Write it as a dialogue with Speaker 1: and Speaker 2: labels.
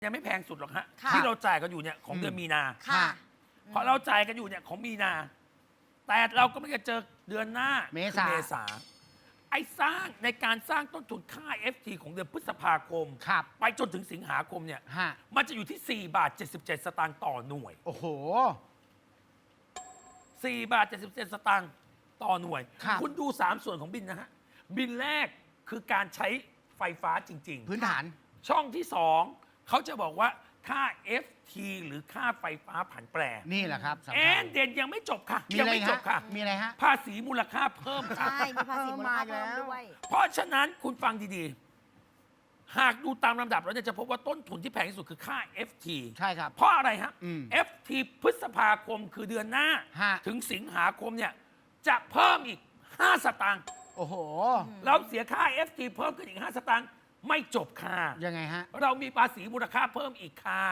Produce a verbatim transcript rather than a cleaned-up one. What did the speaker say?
Speaker 1: ยังไม่แพงสุดหรอกฮะ
Speaker 2: ค่ะ
Speaker 1: ที่เราจ่ายกันอยู่เนี่ยของ
Speaker 3: อืม
Speaker 1: เดือนมีนา
Speaker 2: ค่ะ
Speaker 1: เพราะเราจ่ายกันอยู่เนี่ยของมีนา แต่เราก็ไม่จะเจอเดือนหน้า
Speaker 3: เม
Speaker 1: คือ
Speaker 3: ษา
Speaker 1: เมษาไอ้สร้างในการสร้างต้นทุนค่า เอฟ ที ของเดือนพฤษภาคม
Speaker 3: ครับ
Speaker 1: ไปจนถึงสิงหาคมเนี่ย
Speaker 3: ฮะ
Speaker 1: มันจะอยู่ที่ 4 บาท 77 สตางค์ต่อหน่วย
Speaker 3: โอ้โห
Speaker 1: สี่ บาท 77 สตางค์ต่อหน่วย
Speaker 3: ครับ
Speaker 1: คุณดู สาม ส่วนของบินนะฮะ บินแรกคือการใช้ไฟฟ้าจริง
Speaker 3: พื้นฐาน
Speaker 1: ๆ ช่องที่ สองเขาจะบอกว่าค่า เอฟ ที หรือค่าไฟฟ้าผันแปร
Speaker 3: นี่แหละครับสำ
Speaker 1: แอ
Speaker 3: คัญ
Speaker 1: นเด่นยังไม่จบค่ะ
Speaker 3: มี
Speaker 1: ยั
Speaker 3: อะไร
Speaker 1: ไม่จ
Speaker 3: ฮะ
Speaker 1: บค่ะ
Speaker 3: มีอะไรฮะ
Speaker 1: ภาษีมูลค่าเพิ่มค่ะ
Speaker 2: ใช่ มีภาษีมูลค่าเพิ่มด้วย
Speaker 1: เพราะฉะนั้นคุณฟังดีๆ หากดูตามลำดับแล้วเนี่ยจะพบว่าต้นทุนที่แพงที่สุดคือค่า เอฟ ที
Speaker 3: ใช่ครับ
Speaker 1: เพราะอะไรฮะ
Speaker 3: อืม
Speaker 1: เอฟ ที พฤษภาคมคือเดือนหน้า
Speaker 3: ฮะ
Speaker 1: ถึงสิงหาคมเนี่ยจะเพิ่มอีก ห้า สตางค์
Speaker 3: โอ้โห
Speaker 1: เราเสียค่า เอฟ ที เพิ่มขึ้นอีก ห้า สตางค์ไม่จบค่ะ
Speaker 3: ยังไงฮะ
Speaker 1: เรามีภาษีมูลค่าเพิ่มอีกค่ะ